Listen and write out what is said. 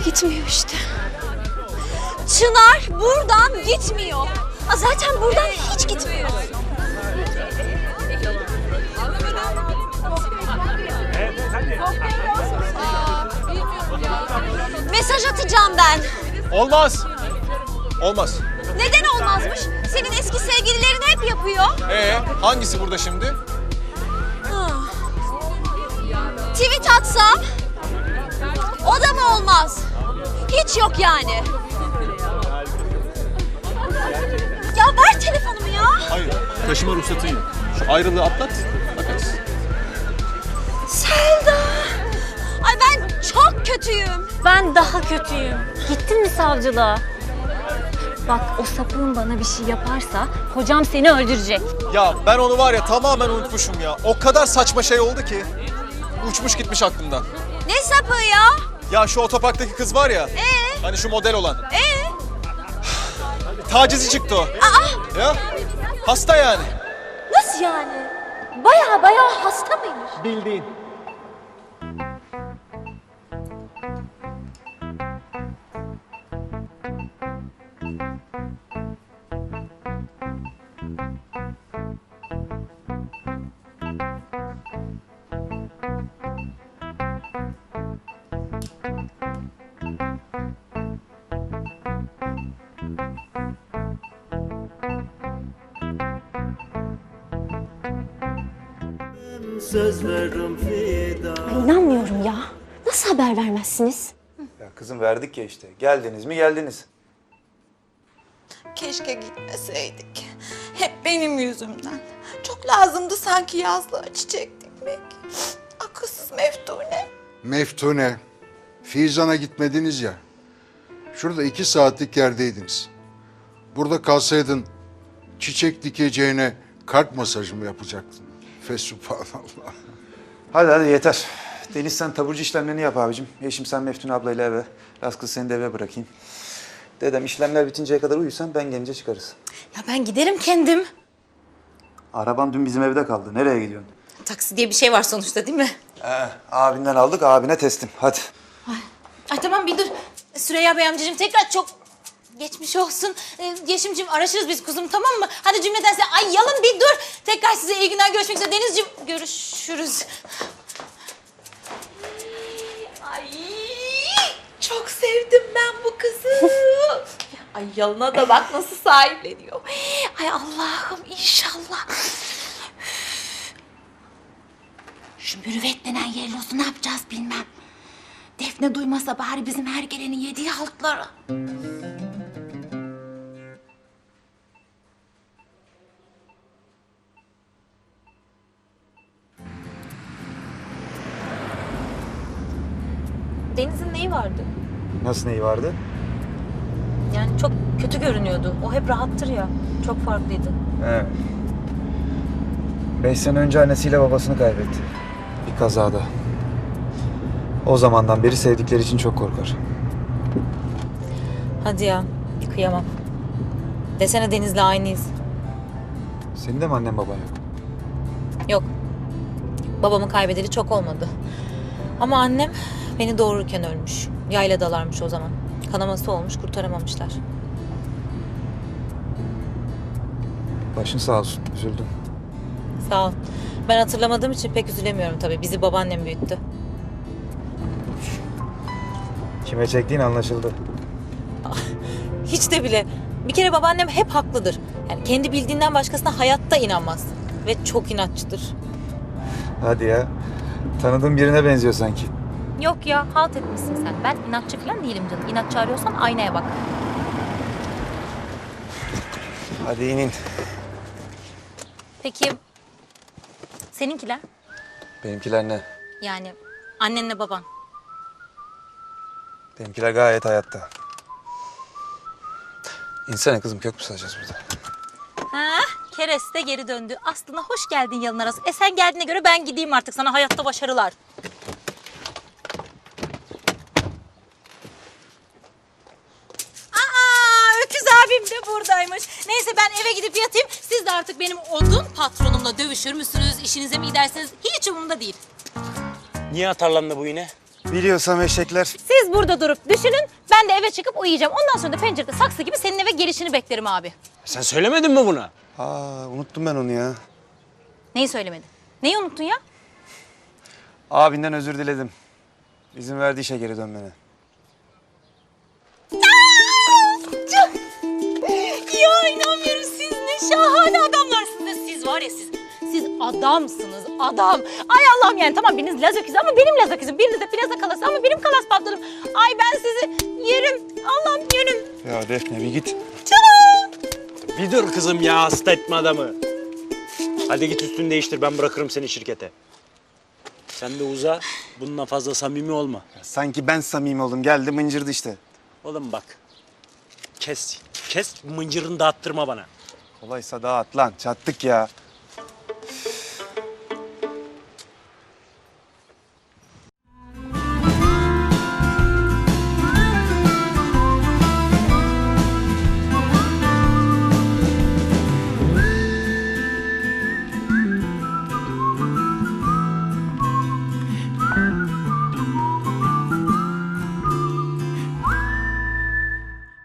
Gitmiyor işte. Çınar buradan gitmiyor. Zaten buradan hiç gitmiyor. Mesaj atacağım ben. Olmaz. Olmaz. Neden olmazmış? Senin eski sevgililerin hep yapıyor. Hangisi burada şimdi? Tweet atsam o da mı olmaz? Hiç yok yani. Ya ver telefonumu ya. Hayır. Taşıma ruhsatın yok. Şu ayrılığı atlat. Bakarız. Selda. Ay ben çok kötüyüm. Ben daha kötüyüm. Gittin mi savcılığa? Bak o sapığın bana bir şey yaparsa kocam seni öldürecek. Ya ben onu var ya tamamen unutmuşum ya. O kadar saçma şey oldu ki. Uçmuş gitmiş aklımdan. Ne sapığı ya? Ya şu otoparktaki kız var ya. Hani şu model olan. Tacizi çıktı o. Ya hasta yani. Nasıl yani? Baya hasta mıymış? Bildiğin. Söz veririm fida. İnanmıyorum ya. Nasıl haber vermezsiniz? Ya kızım verdik ya işte. Geldiniz mi geldiniz. Keşke gitmeseydik. Hep benim yüzümden. Çok lazımdı sanki yazlığa çiçek dikmek. Akılsız Meftune. Meftune, Fizan'a gitmediniz ya. Şurada 2 saatlik yerdeydiniz. Burada kalsaydın çiçek dikeceğine kalp masajı mı yapacaktın? Fesubhanallah. Hadi yeter. Deniz sen taburcu işlemlerini yap abicim. Yeşim sen Meftune ablayla eve. Raz kız seni de eve bırakayım. Dedem işlemler bitinceye kadar uyusan ben gelince çıkarız. Ya ben giderim kendim. Araban dün bizim evde kaldı. Nereye gidiyorsun? Taksi diye bir şey var sonuçta değil mi? Abinden aldık abine teslim. Hadi. Ay tamam bir dur. Süreyya Bey amcacığım tekrar çok geçmiş olsun. Yeşimciğim araşırız biz kuzum tamam mı? Hadi cümleten size. Ay yalın bir dur. Tekrar size iyi günler görüşmek üzere. Denizciğim görüşürüz. Ay çok sevdim ben bu kızı. Ay yalına da bak nasıl sahipleniyor. Ay Allah'ım inşallah. Şu mürüvvet denen yerlosu ne yapacağız bilmem. Defne duymasa bari bizim her gelenin yediği haltları. Deniz'in neyi vardı? Nasıl neyi vardı? Yani çok kötü görünüyordu. O hep rahattır ya. Çok farklıydı. Evet. 5 sene önce annesiyle babasını kaybetti. Bir kazada. O zamandan beri sevdikleri için çok korkar. Hadi ya. Kıyamam. Desene Deniz'le aynıyız. Senin de mi annen baban yok? Yok. Babamı kaybedeli çok olmadı. Ama annem beni doğururken ölmüş. Yayladalarmış o zaman. Kanaması olmuş, kurtaramamışlar. Başın sağ olsun. Üzüldüm. Sağ ol. Ben hatırlamadığım için pek üzülemiyorum tabii. Bizi babaannem büyüttü. Kime çektiğin anlaşıldı. Hiç de bile. Bir kere babaannem hep haklıdır. Yani kendi bildiğinden başkasına hayatta inanmaz. Ve çok inatçıdır. Hadi ya. Tanıdığım birine benziyor sanki. Yok ya, halt etmişsin sen. Ben inatçı falan değilim canım. İnatçı arıyorsan aynaya bak. Hadi inin. Peki, seninkiler? Benimkiler ne? Yani annenle baban. Benimkiler gayet hayatta. İnsene kızım kök mü salacağız burada? Ha, Keres de geri döndü. Aslında hoş geldin yalın arası. Sen geldiğine göre ben gideyim artık. Sana hayatta başarılar. Öküz abim de buradaymış. Neyse ben eve gidip yatayım. Siz de artık benim odun patronumla dövüşür müsünüz? İşinize mi gidersiniz? Hiç umurumda değil. Niye atarlandı bu yine? Biliyorsam eşekler. Siz burada durup düşünün, ben de eve çıkıp uyuyacağım. Ondan sonra da pencerede saksı gibi senin eve gelişini beklerim abi. Sen söylemedin mi buna? Aa, unuttum ben onu ya. Neyi söylemedin? Neyi unuttun ya? Abinden özür diledim. İzin verdi işe geri dönmene. Ya inanmıyorum, siz ne şahane adamlarsınız. Siz var ya siz adamsınız, adam. Ay Allah'ım, yani tamam biriniz Laz öküzü ama benim Laz öküzüm. Biriniz de plaza kalası ama benim kalas patronum. Ay ben sizi yerim. Allah'ım yönüm. Ya Defne bir git. Bir dur kızım ya, hasta etme adamı. Hadi git üstünü değiştir, ben bırakırım seni şirkete. Sen de uza, bununla fazla samimi olma. Sanki ben samimi oldum. Geldi mıncırdı işte. Oğlum bak, kes mıncırını dağıttırma bana. Kolaysa dağıt lan. Çattık ya.